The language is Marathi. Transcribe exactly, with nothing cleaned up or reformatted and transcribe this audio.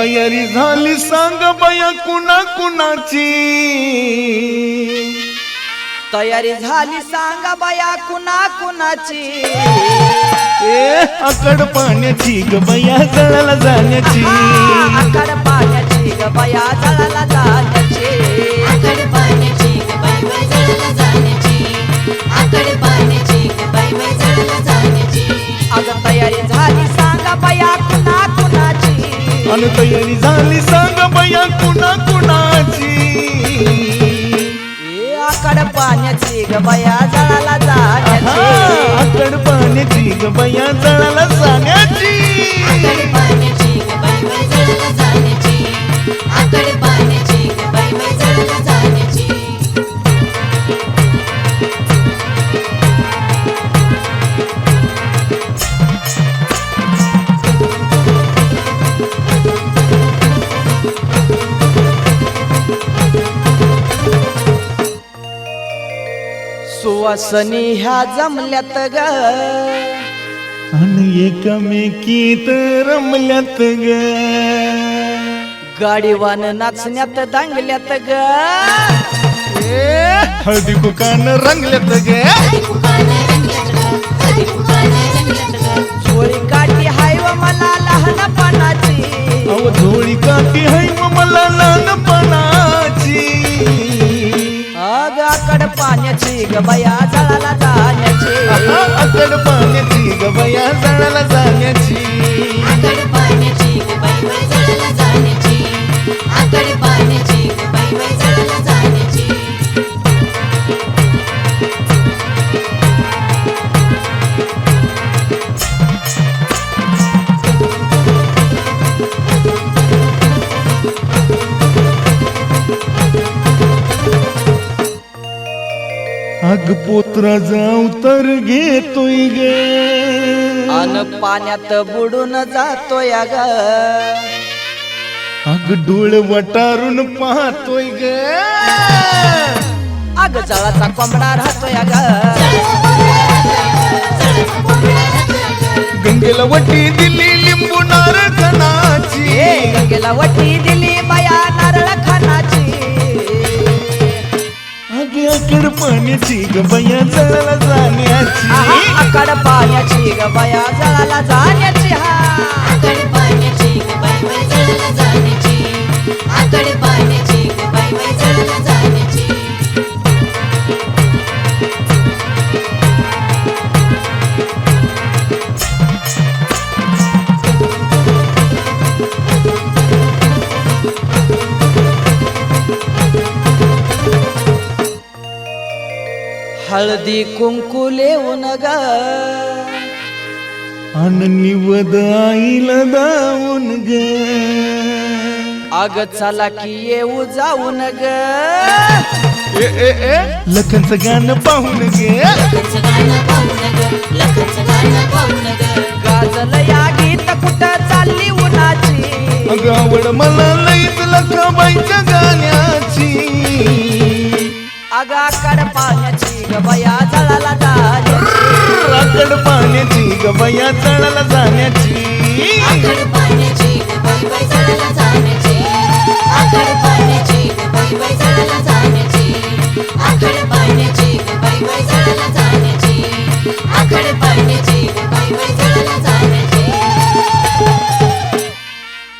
तयारी झाली सांग बया कुणा कुणाची तयारी झाली सांगा बया कुणा कुणाची ए आकड पाण्याची ग बया जळाला जाण्याची आकड पाण्याची ग बया जळाला जाण्याची आकड पाण्याची ग बाई बाई जळाला जाण्याची आकड पाण्याची ग बाई बाई जळाला जाण्याची अग तयारी झाली सांगा बया कुणा कुणाची अन तयारी झाली सांग बया कुणा कुणाची ए आकड पाण्याची ग बया जळाला जाण्याची आकड पाण्याची ग बया जळाला जाण्याची आकड पाण्याची ग बाई बाई जळाला जाण्याची आकड पाण्याची ग बाई बाई जळाला जाण्याची सुवासनी ह्या जमल्यात ग आणि एकमेकीत रमल्यात ग गाडीवान नाचण्यात दांगल्यात ग हळदी कुकान रंगल्यात ग हळदी कुकानं रंगल्यात ग हळदी कुकानं रंगल्यात ग चोळी काठी हाय व मला लहानपणाची अव झोळी काठी हाय व मला लहानपणाची अग आकड पाण्याची ग बया जळाला जाण्याची आकड पाण्याची ग बया जळाला जाण्याची आकड पाण्याची ग बाई बाई जळाला जाण्याची आकड पाण्याची ग बाई बाई जळाला जाण्याची अग पोत्रा जाऊ तर घेतोय ग अन पाण्यात बुडून जातोय ग अग डोळ वटारून पाहतोय ग अग जळाचा कोंबडा राहतोय ग गंगेला वटी दिली लिंबू नारळाची ए गंगेला वटी दिली बया नारळ खानाची अगे आकड पाण्याची ग बया जळाला जाण्याची आहा, आकड पाण्याची ग बया जळाला जाण्याची हा आकड पाण्याची ग बाई बाई जळाला जाण्याची आकड पाण्याची ग बाई बाई जळाला जाण्याची हळदी कुंकू लेऊन ग अन निवद आईला दावून ग अग चला की येऊ जाऊन ग ए ए ए लखनचं गाणं पाहून गे लखनचं गाणं पाहून ग लखनचं गाणं पाहून ग गाजल या गीत कुठं चालली उन्हाची अग आवड मला लईच लखाबाईच्या गाण्याची अग आकड पाण्याची ग बया जळाला जाण्याची आकड पाण्याची ग बया जळाला जाण्याची आकड पाण्याची ग बाई बाई जळाला जाण्याची आकड पाण्याची ग बाई बाई जळाला जाण्याची आकड पाण्याची ग बाई बाई जळाला जाण्याची आकड पाण्याची